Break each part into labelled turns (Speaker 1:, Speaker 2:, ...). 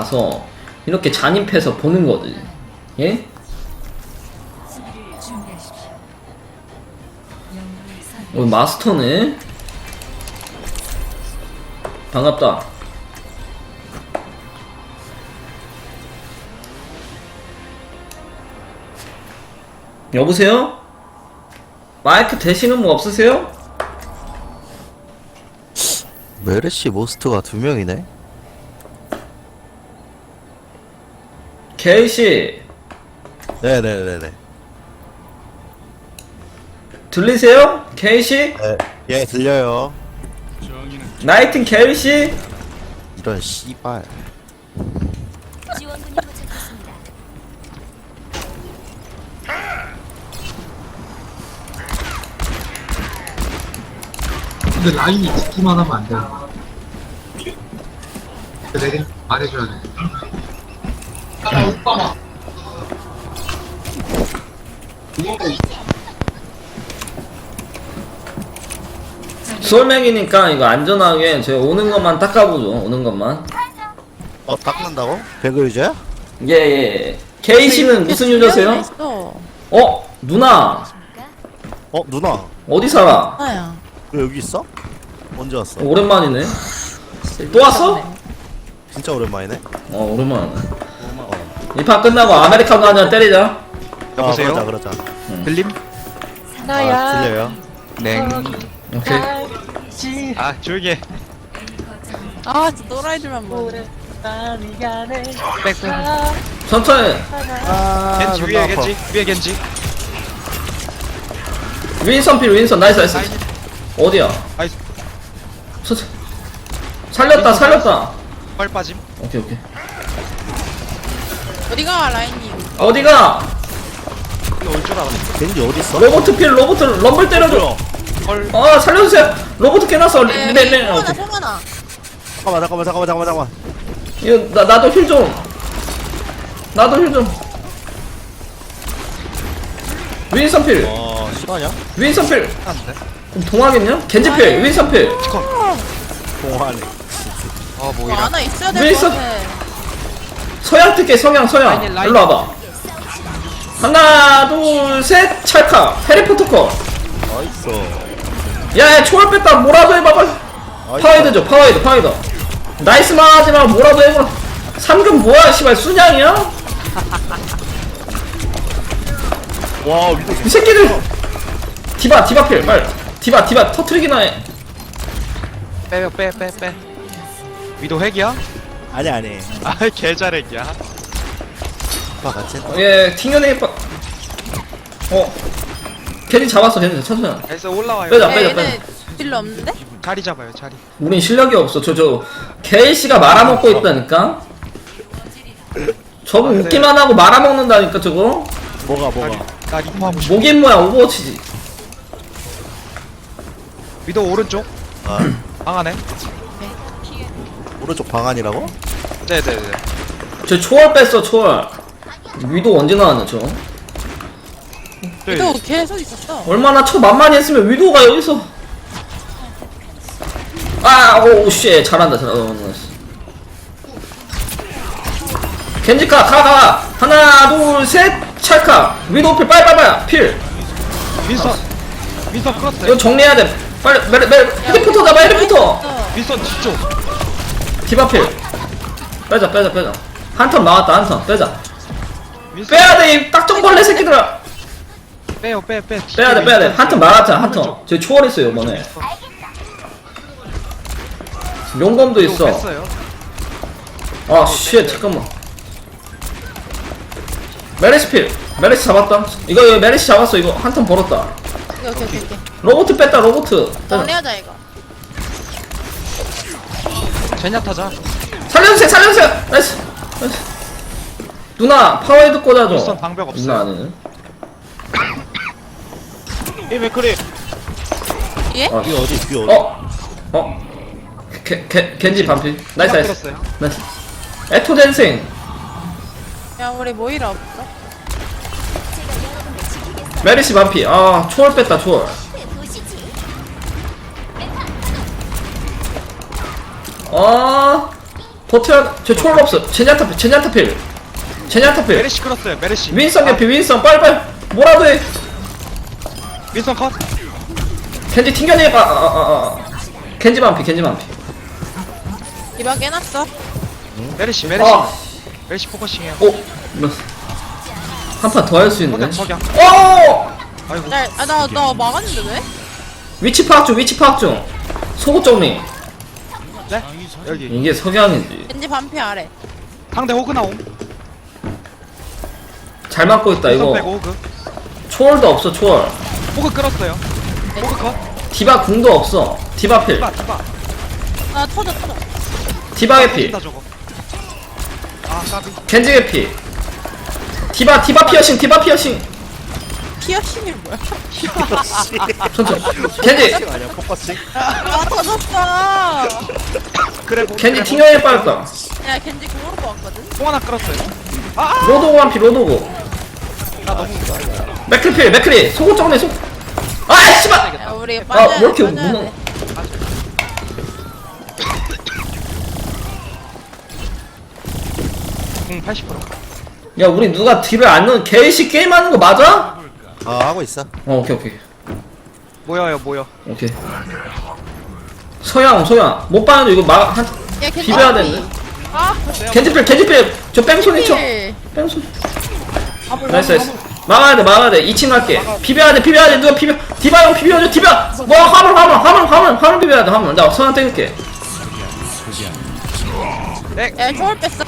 Speaker 1: 가서 이렇게 잔입해서 보는 거지. 예? 마스터네. 반갑다. 여보세요? 마이크 되시는 분 없으세요?
Speaker 2: 메르시 모스트가 2명이네?
Speaker 1: 케이씨
Speaker 2: 네네네네.
Speaker 1: 들리세요? 케이씨?
Speaker 2: 네. 예, 들려요.
Speaker 1: 나이팅 케이씨?
Speaker 2: 이런 씨발.
Speaker 3: 지원군이 도착했습니다.
Speaker 4: 근데 라인이 붙기만 하면 안 돼. 내가 말해줘야 돼. 오빠.
Speaker 1: 솔맥이니까 이거 안전하게 제가 오는 것만 닦아보죠. 오는 것만.
Speaker 2: 닦는다고? 배그 유저야?
Speaker 1: 예. 케이씨는 무슨 유저세요? 누나
Speaker 2: 누나.
Speaker 1: 어디 살아?
Speaker 5: 아야.
Speaker 2: 너 여기 있어? 언제 왔어?
Speaker 1: 오랜만이네. 또 왔어?
Speaker 2: 진짜 오랜만이네.
Speaker 1: 오랜만이네. 이 판 끝나고 아메리카노 한잔 때리자.
Speaker 6: 여보세요?
Speaker 2: 그러자.
Speaker 6: 들림?
Speaker 2: 들려요.
Speaker 6: 네.
Speaker 1: 오케이.
Speaker 6: 아 조용히 해.
Speaker 5: 아, 진짜 또라이들만 보네.
Speaker 6: 백.
Speaker 1: 천천히.
Speaker 6: 겐지
Speaker 2: 존나
Speaker 6: 위에
Speaker 2: 아파.
Speaker 6: 겐지 위에 겐지.
Speaker 1: 윈선 나이스. 어디야?
Speaker 6: 나이스.
Speaker 1: 살렸다.
Speaker 6: 펄 빠짐.
Speaker 1: 오케이.
Speaker 5: 어디가 라인님?
Speaker 1: 어디가?
Speaker 6: 이거 올 줄 알았네.
Speaker 2: 겐지 어디 있어?
Speaker 1: 로봇 럼블 때려줘.
Speaker 6: 펄.
Speaker 1: 살려주세요. 로봇 깨놨어. 네.
Speaker 5: 성하나, 성하나.
Speaker 2: 잠깐만.
Speaker 1: 이거 나도 힐 좀. 윈선 필.
Speaker 2: 실화냐?
Speaker 1: 윈선 필.
Speaker 6: 안돼.
Speaker 1: 그럼 동하겠냐? 겐지 필. 윈선 필.
Speaker 2: 동화네.
Speaker 6: 아
Speaker 5: 뭐
Speaker 6: 뭐이라.
Speaker 5: 하나 있어야
Speaker 1: 왜
Speaker 5: 될 것
Speaker 1: 있어?
Speaker 5: 같아.
Speaker 1: 서양 뜰게 서양.
Speaker 6: 라인.
Speaker 1: 일로 와봐. 하나 둘 셋 찰칵. 해리포터 거.
Speaker 2: 나이스.
Speaker 1: 야 초월 뺐다. 뭐라도 해봐봐. 파워헤드. 나이스만 하지마. 뭐라도 해봐. 3금 뭐야 씨발 순양이야?
Speaker 2: 와, 위도
Speaker 1: 이 새끼들. 디바 필 빨리. 디바 터트리기나 해.
Speaker 6: 빼. 위도 핵이야?
Speaker 2: 아니.
Speaker 6: 아 개잘핵이야.
Speaker 2: 같이 했다.
Speaker 1: 예 튕겨내기 겐지 잡았어. 천천히.
Speaker 6: 그래서 올라와요.
Speaker 1: 빼자.
Speaker 5: 얘네 필요 없는데?
Speaker 6: 자리 잡아요 자리.
Speaker 1: 우린 실력이 없어. 저 케이씨가 말아먹고 있다니까. 저거 웃기만 하고 말아먹는다니까 저거.
Speaker 2: 뭐가?
Speaker 6: 나 리퍼 하고 싶어.
Speaker 1: 뭐긴 뭐야 오버워치지.
Speaker 6: 위도 오른쪽. 방 안에.
Speaker 2: 오른쪽 방안이라고?
Speaker 6: 네네네.
Speaker 1: 저 초월 뺐어 초월. 위도 언제 나왔냐 저.
Speaker 5: 또 계속 있었어.
Speaker 1: 얼마나 만만히 했으면 위도가 여기서. 오쉣 잘한다. 겐지카 가. 하나 둘 셋 찰카. 위도 필 빨리 필.
Speaker 6: 윈선 크로스.
Speaker 1: 이거 정리해야 돼. 빨리 헤리포터 잡아 헤리포터.
Speaker 6: 윈선 뒤쪽.
Speaker 1: 디바 필. 빼자. 한 턴 나왔다 한 턴. 빼자.
Speaker 6: 윈선
Speaker 1: 빼야 돼 이 딱정벌레 새끼들아.
Speaker 6: 빼요.
Speaker 1: 빼야 돼. 한 턴 말았잖아 한 턴. 저 초월했어요 이번에. 용검도 있어.
Speaker 6: 뺐어요.
Speaker 1: 쉣 잠깐만. 메르시 잡았다. 이거 메르시 잡았어. 이거 한 턴 벌었다.
Speaker 5: 오케이.
Speaker 1: 로보트 뺐다.
Speaker 5: 정리하자 이거.
Speaker 6: 제냐타자.
Speaker 1: 살려주세요. 나이스. 누나 파워헤드 꽂아줘.
Speaker 6: 윈선 방벽 없어요.
Speaker 1: 누나 아니네.
Speaker 2: 이 맥크리.
Speaker 5: 예?
Speaker 2: 뒤 어디?
Speaker 1: 겐지 반피. 나이스.
Speaker 6: 들었어요.
Speaker 1: 나이스. 에토 댄싱.
Speaker 5: 야, 우리 모이라 없어?
Speaker 1: 메르시 반피. 초월 뺐다 초월. 버텨야 저 초월 없어. 제냐타필
Speaker 6: 메르시 끌었어요 메르시.
Speaker 1: 윈선 개피 윈선 빨리빨리 뭐라도 해.
Speaker 6: 윈선 컷.
Speaker 1: 겐지 튕겨내봐. 겐지 반피
Speaker 5: 이방 깨놨어.
Speaker 6: 메르시
Speaker 1: 아.
Speaker 6: 메르시 포커싱해요.
Speaker 1: 오 한 판 더 할 수 있는데.
Speaker 6: 석양.
Speaker 1: 오
Speaker 6: 아이고.
Speaker 5: 나 막았는데 왜?
Speaker 1: 위치 파악 중 속옷 정리.
Speaker 6: 네? 여기
Speaker 1: 이게 석양이지.
Speaker 5: 겐지 반피 아래.
Speaker 6: 상대 호그 나옴.
Speaker 1: 잘 맞고 있다
Speaker 6: 윈선
Speaker 1: 이거.
Speaker 6: 빼고 호그.
Speaker 1: 초월도 없어 초월.
Speaker 6: 호그 끌었어요. 호그 컷.
Speaker 1: 디바 궁도 없어. 디바 필.
Speaker 6: 디바.
Speaker 5: 아 터져.
Speaker 1: 디바 개피.
Speaker 6: 터진다, 저거. 아 까비.
Speaker 1: 겐지 개피. 디바 피어싱.
Speaker 5: 피어싱이 뭐야?
Speaker 1: 천천히. 겐지
Speaker 2: 아니야 포커싱.
Speaker 5: 아 터졌어.
Speaker 6: 그래.
Speaker 1: 겐지 튕겨내 빠졌다.
Speaker 5: 야 겐지 공으로 뽑았거든.
Speaker 6: 통 하나 끌었어요.
Speaker 1: 로도고 한피 로도고.
Speaker 6: 나 너무
Speaker 1: 맥크리 속옷 정리 속. 아 씨발.
Speaker 5: 야 우리 빠져야
Speaker 1: 왜
Speaker 5: 돼.
Speaker 1: 이렇게
Speaker 5: 빠져야
Speaker 1: 무너?
Speaker 5: 돼.
Speaker 6: 공 80%.
Speaker 1: 야 우리 누가 딜을 안 넣은 개씨 게임하는 거 맞아?
Speaker 2: 하고 있어.
Speaker 1: 오케이.
Speaker 6: 모여.
Speaker 1: 오케이. 서양 못 봐도 이거 한
Speaker 5: 야 겐지
Speaker 1: 비벼야
Speaker 5: 반피.
Speaker 1: 되는데.
Speaker 5: 아
Speaker 1: 겐지필 저 뺑소니 쳐.
Speaker 5: 필.
Speaker 1: 뺑소니. 나이스. 막아야 돼. 2층 갈게. 비벼야 돼. 누가 비벼? 디바 형 비벼줘. 디바. 뭐 화물 비벼야 돼. 화물. 나 서양 땡길게.
Speaker 5: 야 초월 뺐어.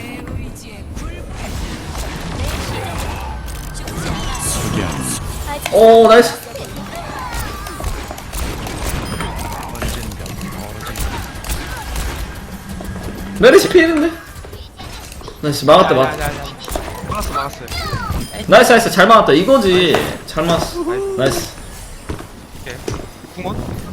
Speaker 1: 오 나이스. 메르시 피했는데? 나이스 막았다.
Speaker 6: 막았어요.
Speaker 1: 나이스 잘 막았다. 이거지. 잘 막았어. 나이스.
Speaker 6: 오케이. 궁원.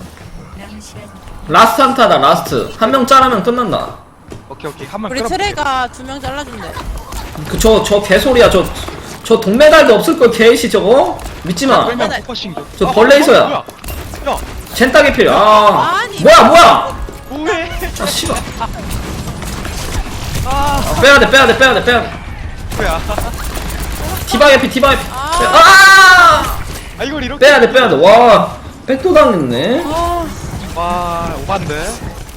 Speaker 1: 라스트 한타다 라스트. 한 명 짜라면 끝난다.
Speaker 6: 오케이. 한번
Speaker 5: 우리
Speaker 6: 끌어.
Speaker 5: 트레가 2명 잘라준대.
Speaker 1: 저 개소리야. 저 동메달도 없을걸 개이씨 저거? 믿지마.
Speaker 6: 끌면 포커싱.
Speaker 1: 저 벌레 있어야.
Speaker 6: 뭐야? 야.
Speaker 1: 젠따게 필요. 아
Speaker 5: 아니.
Speaker 1: 뭐야?
Speaker 6: 뭐해?
Speaker 1: 아 씨발.
Speaker 6: 아.
Speaker 1: 빼야돼.
Speaker 6: 뭐야?
Speaker 1: 디바 개피.
Speaker 5: 아.
Speaker 6: 아 이걸 이렇게.
Speaker 1: 빼야돼. 와 백도 당했네.
Speaker 6: 와 오반데.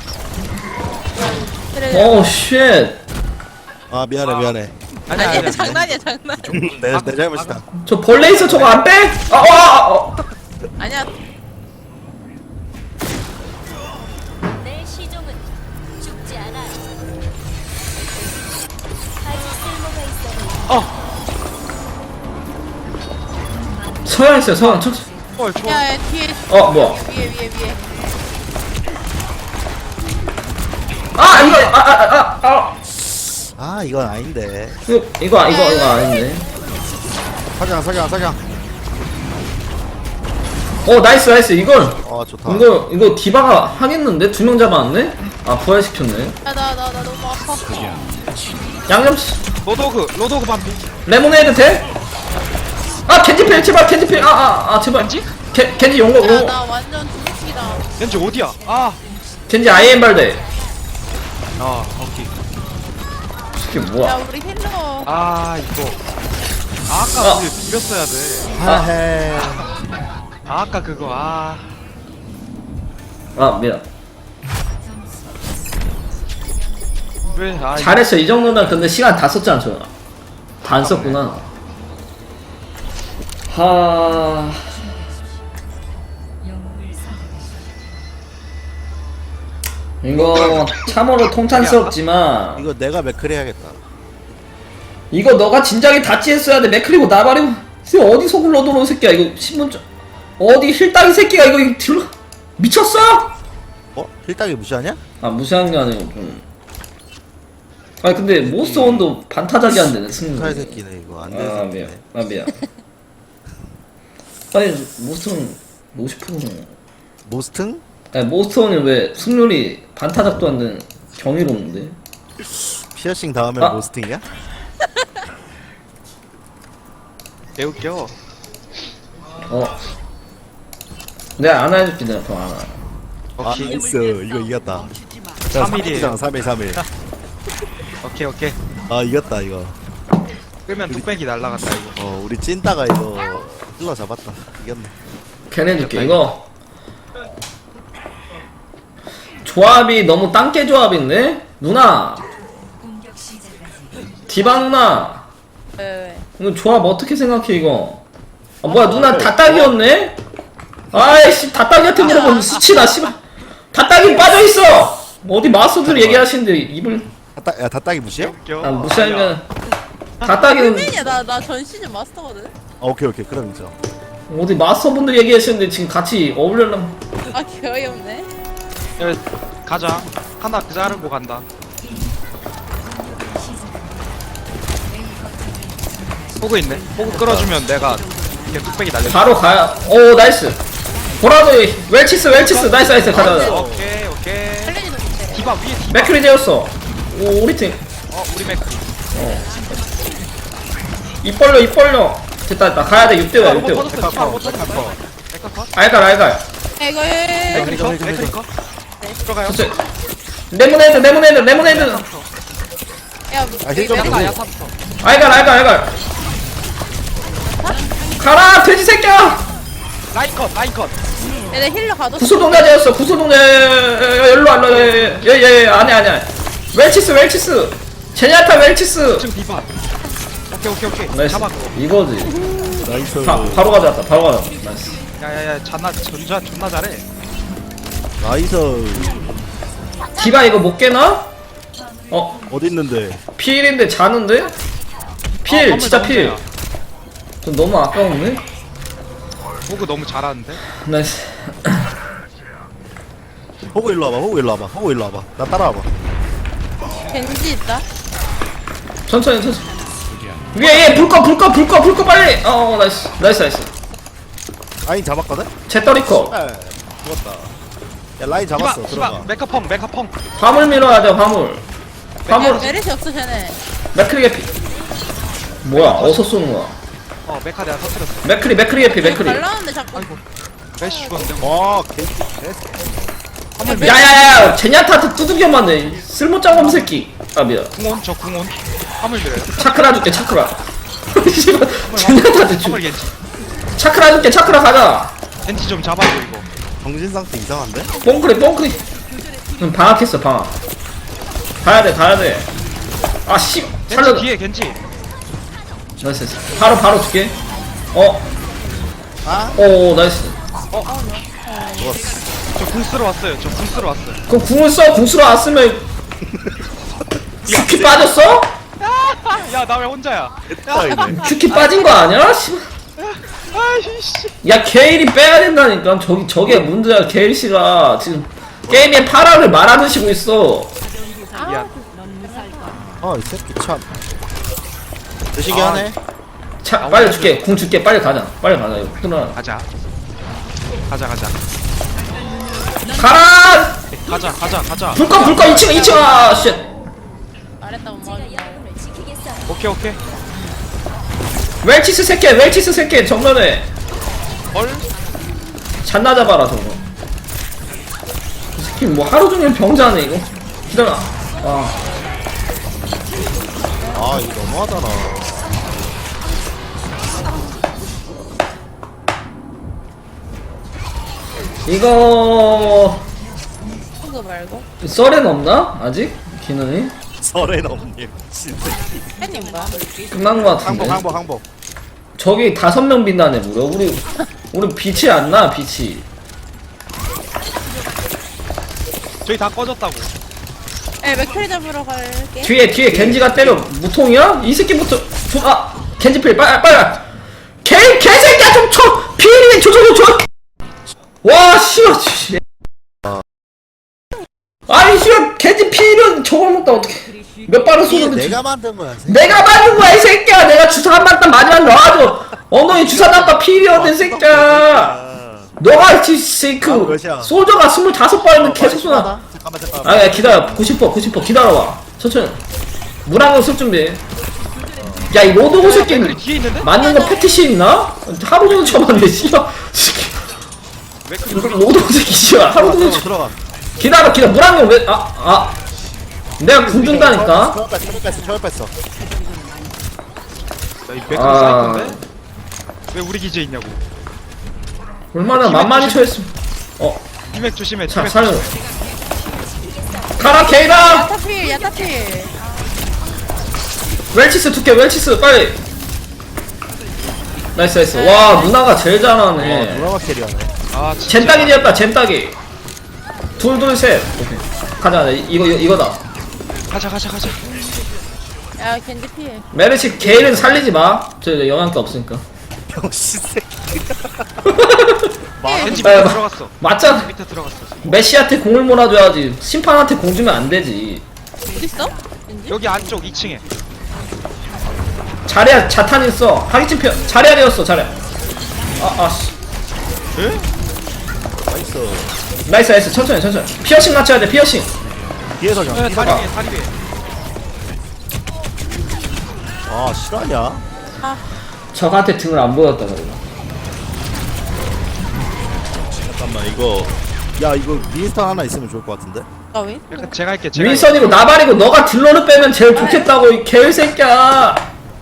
Speaker 5: 트레.
Speaker 1: 오 쉣.
Speaker 2: 아 미안해.
Speaker 5: 아니야 장난이야.
Speaker 2: 내 잘못이다.
Speaker 1: 저 벌레 있어 저거 안 빼?
Speaker 5: 아니야.
Speaker 3: 내 시종은 죽지 않아. 아직 쓸모가 있어.
Speaker 1: 서양 있어요. 서양 척.
Speaker 6: 어 좋아.
Speaker 5: 야 뒤에.
Speaker 1: 뭐야?
Speaker 5: 위에.
Speaker 1: 아 이거
Speaker 2: 아 이건 아닌데.
Speaker 1: 이거 아닌데.
Speaker 2: 석양.
Speaker 1: 나이스 이걸.
Speaker 2: 좋다.
Speaker 1: 이거 디바가 하겠는데? 2명 잡아왔네? 아 부활시켰네.
Speaker 5: 나 너무 아파.
Speaker 1: 양념
Speaker 6: 로도그 반피.
Speaker 1: 레모네이드 돼? 아 겐지필 제발 겐지필 제발 겐지 용거
Speaker 5: 야 나 완전 두둑이다.
Speaker 6: 왠지 어디야? 아.
Speaker 1: 겐지 아이엠 발대.
Speaker 6: 오케이.
Speaker 1: 이게
Speaker 5: 야
Speaker 1: 뭐야?
Speaker 5: 우리 힐러.
Speaker 6: 아 이거. 아까 우리 비볐어야 돼.
Speaker 2: 하해.
Speaker 6: 아까 그거
Speaker 1: 미안.
Speaker 6: 왜?
Speaker 1: 잘했어. 이 정도면 근데 시간 다 썼잖아 저. 다 안 썼구나. 이거 참으로 통탄스럽지만
Speaker 2: 이거 내가 맥크리 해야겠다.
Speaker 1: 이거 너가 진작에 다치 했어야 돼. 맥크리고 나발이고 어디 속을 넣어놓은 새끼야 이거 신문점 어디 힐따기 새끼가 이거 들러 미쳤어?
Speaker 2: 힐따기 무시하냐?
Speaker 1: 무시한 게 아니고 좀. 아니 근데 모스원도 반타작이 안 되네 승리.
Speaker 2: 칼 새끼네 이거 안
Speaker 1: 미안.
Speaker 2: 되는.
Speaker 1: 미안. 아니 모스원 50%는
Speaker 2: 모스팅?
Speaker 1: 아니 모스원이 왜 승률이 반타작도 안 되는 경이로운데?
Speaker 2: 피어싱 다음에 모스팅이야?
Speaker 6: 개웃겨.
Speaker 1: 내가 안 해줄게 내가 더 안 해.
Speaker 2: 아
Speaker 6: 오케이.
Speaker 2: 나이스. 이거 이겼다.
Speaker 6: 3일이에요.
Speaker 2: 3일.
Speaker 6: 오케이 오케이.
Speaker 2: 아 이겼다 이거.
Speaker 6: 끄면 뚝배기 날라간다 이거.
Speaker 2: 우리 찐따가 이거 힐러 잡았다. 이겼네.
Speaker 1: 걔네 줄게 이거. 조합이 너무 땅개 조합인데? 누나 디바 누나
Speaker 5: 왜?
Speaker 1: 이거 조합 어떻게 생각해 이거? 아 뭐야 누나 다딱이었네? 아이씨 다딱이한테 물어보면 수치나 씨발 다딱이 빠져있어! 어디 마스터들 얘기하시는데 입을
Speaker 2: 야 다딱이 무시해?
Speaker 6: 웃겨.
Speaker 1: 아 무시하면 다딱이는
Speaker 5: 팬이야. 나 전 시즌 마스터거든.
Speaker 2: 오케이 그럼 인정.
Speaker 1: 어디 마스터분들 얘기하시는데 지금 같이 어울려면
Speaker 5: 아 개어이없네.
Speaker 6: 야, 가자. 하나 그 자르고 간다. 호그 있네. 호그 끌어주면 내가 이렇게 뚝배기 날려.
Speaker 1: 바로 가야. 오 나이스. 보라도 웰치스 나이스 가자.
Speaker 6: 오케이 오케이.
Speaker 5: 헬렌이도 좋대.
Speaker 6: 디바 위에 디바.
Speaker 1: 맥크리 되었어. 오 우리 팀.
Speaker 6: 우리 맥.
Speaker 1: 입 벌려. 됐다 가야돼 6대5야 6대5.
Speaker 6: 디바 못 터졌어. 메카 컷.
Speaker 1: 알갈.
Speaker 5: 이거
Speaker 6: 맥크리 컷. 맥크리 컷. 들어가요.
Speaker 1: 좋지. 레모네이드.
Speaker 5: 야
Speaker 2: 힐 좀
Speaker 6: 야타
Speaker 2: 보고.
Speaker 6: 야타부터.
Speaker 1: 알갈. 가라 돼지 새끼야.
Speaker 6: 라인 컷.
Speaker 5: 얘네 힐러 가뒀어.
Speaker 1: 구소동자 되었어. 일로 와. 예 아니야. 웰치스. 제냐타 웰치스.
Speaker 6: 지금 디바. 오케이.
Speaker 1: 나이스.
Speaker 6: 잡아.
Speaker 1: 이거지.
Speaker 2: 나이스.
Speaker 1: 바로 가져왔다. 나이스.
Speaker 6: 야야야 존나 잘해.
Speaker 2: 나이스.
Speaker 1: 디바 이거 못 깨나?
Speaker 2: 어디 있는데?
Speaker 1: 필인데 자는데? 필
Speaker 6: 화물
Speaker 1: 진짜
Speaker 6: 나
Speaker 1: 필.
Speaker 6: 혼자야.
Speaker 1: 좀 너무 아까운데?
Speaker 6: 호그 너무 잘하는데.
Speaker 1: 나이스.
Speaker 2: 호구 일로 와봐. 나 따라와봐.
Speaker 5: 겐지 있다.
Speaker 1: 천천히. 위에 불꺼 빨리. 나이스.
Speaker 2: 라인 잡았거든?
Speaker 1: 제떨이커.
Speaker 2: 죽었다. 야 라인 잡았어. 들어가.
Speaker 6: 메카펑.
Speaker 1: 화물 밀어야 돼 화물.
Speaker 5: 메르시 없어 쟤네.
Speaker 1: 맥크리 개피. 뭐야 어디서 쏘는 거야?
Speaker 6: 메카 내가 터뜨렸어.
Speaker 1: 맥크리 개피.
Speaker 5: 발라는데 자꾸.
Speaker 6: 아이고 메시 죽었는데.
Speaker 2: 와 개씨.
Speaker 1: 야야야 제냐타한테 두들겨 맞네. 쓸모짱놈 새끼. 아 미안.
Speaker 6: 저 궁온. 화물 밀어요.
Speaker 1: 차크라 줄게 차크라. 제냐타한테 주.
Speaker 6: 화물 겐지.
Speaker 1: 차크라 줄게 차크라 가자.
Speaker 6: 겐지 좀 잡아줘 이거.
Speaker 2: 정신 상태 이상한데?
Speaker 1: 뽕크리. 방학했어 방학. 가야 돼. 아씨 살려.
Speaker 6: 겐지 뒤에 겐지.
Speaker 1: 나이스. 바로 줄게.
Speaker 2: 아?
Speaker 1: 오 나이스.
Speaker 2: 죽었어.
Speaker 6: 저 궁 쓰러 왔어요.
Speaker 1: 그럼 궁을 써. 궁 쓰러 왔으면 큐키 빠졌어?
Speaker 6: 야 나 왜 혼자야?
Speaker 2: 따이네.
Speaker 1: 큐키 빠진 거 아니야? 씨발.
Speaker 6: 아이씨.
Speaker 1: 야 게일이 빼야 된다니까. 저게 문제야. 게일 씨가 지금 게임에 파라를 말아드시고 있어.
Speaker 6: 미안.
Speaker 2: 이 새끼 참. 드시게 하네.
Speaker 1: 차 빨리 줄게. 궁 줄게. 빨리 가자. 이거 끊어.
Speaker 6: 가자.
Speaker 1: 가라. 불꺼 2층. 아 쉣.
Speaker 5: 말했다 못
Speaker 3: 제가
Speaker 5: 막았다.
Speaker 3: 영웅을 지키겠어요.
Speaker 6: 오케이.
Speaker 1: 웰치스 새끼 정면에 잔나 잡아라 저거. 이 새끼 뭐 하루 종일 병자네 이거. 기다려.
Speaker 2: 이거 너무하잖아.
Speaker 1: 이거
Speaker 5: 그거 말고.
Speaker 1: 썰엔 없나? 아직? 기능이?
Speaker 2: 설에 넘님 진짜.
Speaker 5: 팬님 뭐야?
Speaker 1: 끝난 거 같은데.
Speaker 2: 항복.
Speaker 1: 저기 5명 빛나네 무려. 우리 빛이 안 나. 빛이.
Speaker 6: 저희 다 꺼졌다고.
Speaker 5: 맥크리 잡으러 갈게.
Speaker 1: 뒤에 겐지가 때려. 무통이야? 이 새끼부터 겐지 필 빨리. 개새끼야 좀 쳐. 필이 줘. 와 씨발. 아니 씨발 겐지 필은 저걸 먹다 어떡해. 몇 발을
Speaker 2: 이게
Speaker 1: 쏘는데
Speaker 2: 내가 만든 거야.
Speaker 1: 내가 맞은 거야 이 새끼야. 내가 주사 한 발딱 마지막 넣어줘. 엉덩이 주사 담바 필이었네 새끼야. 너가
Speaker 2: 아,
Speaker 1: 그
Speaker 2: 몇이야?
Speaker 1: 솔저가 25발인데 계속 쏘나.
Speaker 2: 잠깐만.
Speaker 1: 야 기다려. 90% 기다려봐. 천천히 물 한 번 쓸 준비. 야 이 로드고 새끼
Speaker 6: 맥크리 뒤에 있는데?
Speaker 1: 맞는 거 패티시 있나? 하루 종일 쳐봤는데 씨발.
Speaker 6: 맥크리
Speaker 1: 로드고 새끼 씨발 하루 종일 쳐.
Speaker 2: 들어가.
Speaker 1: 기다려 물 한 번 왜 내가 궁 준다니까.
Speaker 2: 초월 뺐어.
Speaker 6: 나이 맥크리
Speaker 1: 아.
Speaker 6: 사이콘데? 왜 우리 기지에 있냐고.
Speaker 1: 얼마나 만만히 쳐했으면.
Speaker 6: 디맥 조심해.
Speaker 1: 자,
Speaker 6: 디맥
Speaker 1: 살려. 가라, 케이라!
Speaker 5: 야타필 야타필.
Speaker 1: 웰치스 두께, 웰치스, 빨리! 나이스, 나이스. 와, 누나가 제일 잘하네.
Speaker 2: 누나가 캐리하네.
Speaker 6: 아 진짜.
Speaker 1: 젠따기였다, 젠따기. 둘, 둘, 셋. 오케이. 가자, 이거다.
Speaker 6: 가자.
Speaker 5: 야 겐지 필.
Speaker 1: 메르시 게일은 살리지 마. 저 영향도 없으니까.
Speaker 2: 병신 새끼.
Speaker 6: 겐지
Speaker 1: 아,
Speaker 6: 밑에
Speaker 1: 마-
Speaker 6: 들어갔어.
Speaker 1: 맞잖아.
Speaker 6: 밑에 들어갔어.
Speaker 1: 메시한테 공을 몰아줘야지. 심판한테 공 주면 안 되지.
Speaker 5: 어딨어? 겐지?
Speaker 6: 여기 안쪽 2층에.
Speaker 1: 자리야, 자탄 있어. 하기침 펴. 자리야 되었어, 자리야. 씨.
Speaker 2: 나이스.
Speaker 1: 나이스, 나이스. 천천히. 피어싱 맞춰야 돼, 피어싱.
Speaker 2: 뒤에서 경.
Speaker 6: 다리 위에 다리 위에.
Speaker 2: 아 실화냐?
Speaker 1: 적한테 등을 안 보였다, 그래.
Speaker 2: 잠깐만 이거. 야 이거 윈스턴 하나 있으면 좋을 것 같은데.
Speaker 5: 나 왜?
Speaker 6: 약간 제가 할게. 제가
Speaker 1: 윈선이고 나발이고 너가 딜러를 빼면 제일 좋겠다고, 이 개새끼야.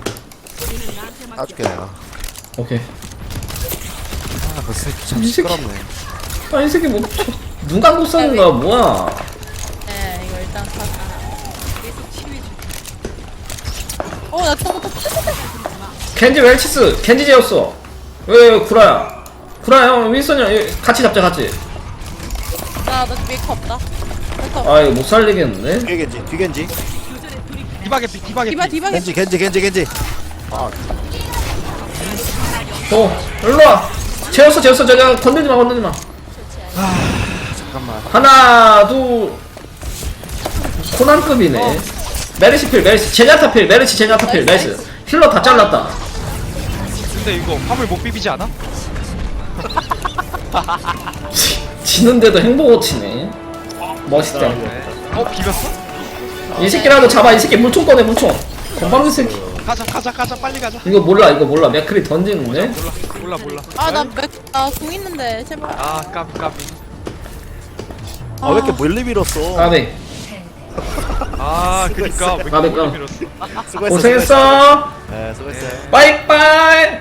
Speaker 2: 따줄게 내가.
Speaker 1: 오케이.
Speaker 2: 아그 새끼 참
Speaker 1: 이 새끼.
Speaker 2: 시끄럽네.
Speaker 1: 아, 이 새끼 뭐, 눈 감고 싸는 거야, 뭐야.
Speaker 5: 네 이거 일단 사. 나 저부터
Speaker 1: 겐지 웰치스, 겐지 제였어. 왜, 구라야. 구라야, 형, 윈선이랑 같이 잡자, 같이.
Speaker 5: 나너 메이크 없다. 메이크
Speaker 1: 아, 이거 못 살리겠는데?
Speaker 2: 뒤겐지.
Speaker 6: 디바게 피.
Speaker 5: 디바
Speaker 2: 겐지. 아
Speaker 1: 일로와. 재웠어, 저기, 건들지 마.
Speaker 2: 잠깐만.
Speaker 1: 하나, 둘. 코난급이네. 메르시, 제냐타필, 나이스. 힐러 다 잘랐다.
Speaker 6: 근데 이거 화물 못 비비지 않아?
Speaker 1: 지는데도 행복을 치네. 멋있다.
Speaker 6: 비볐어?
Speaker 1: 이 새끼라도 잡아, 이 새끼 물총 꺼내, 물총. 건방진 새끼.
Speaker 6: 가자 빨리 가자.
Speaker 1: 이거 몰라. 맥크리 던지는데?
Speaker 6: 몰라.
Speaker 5: 아나공 있는데 제발.
Speaker 6: 아 까비.
Speaker 2: 아 왜 이렇게 멀리 밀었어?
Speaker 1: 까비.
Speaker 6: 아 그니까 왜
Speaker 1: 까비,
Speaker 6: 이렇게
Speaker 1: 까비.
Speaker 6: 밀었어?
Speaker 2: 수고했어.
Speaker 1: 고생했어.
Speaker 2: 네 수고했어요.
Speaker 1: 빠이빠이.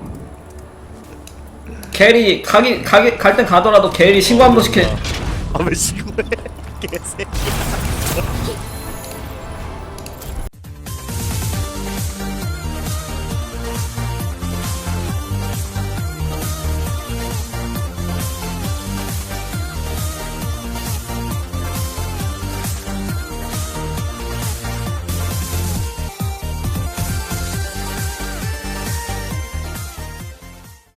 Speaker 1: 게리, 갈 땐 가더라도 게리 신고 한 번씩 해.
Speaker 2: 아왜 신고해? 개새끼.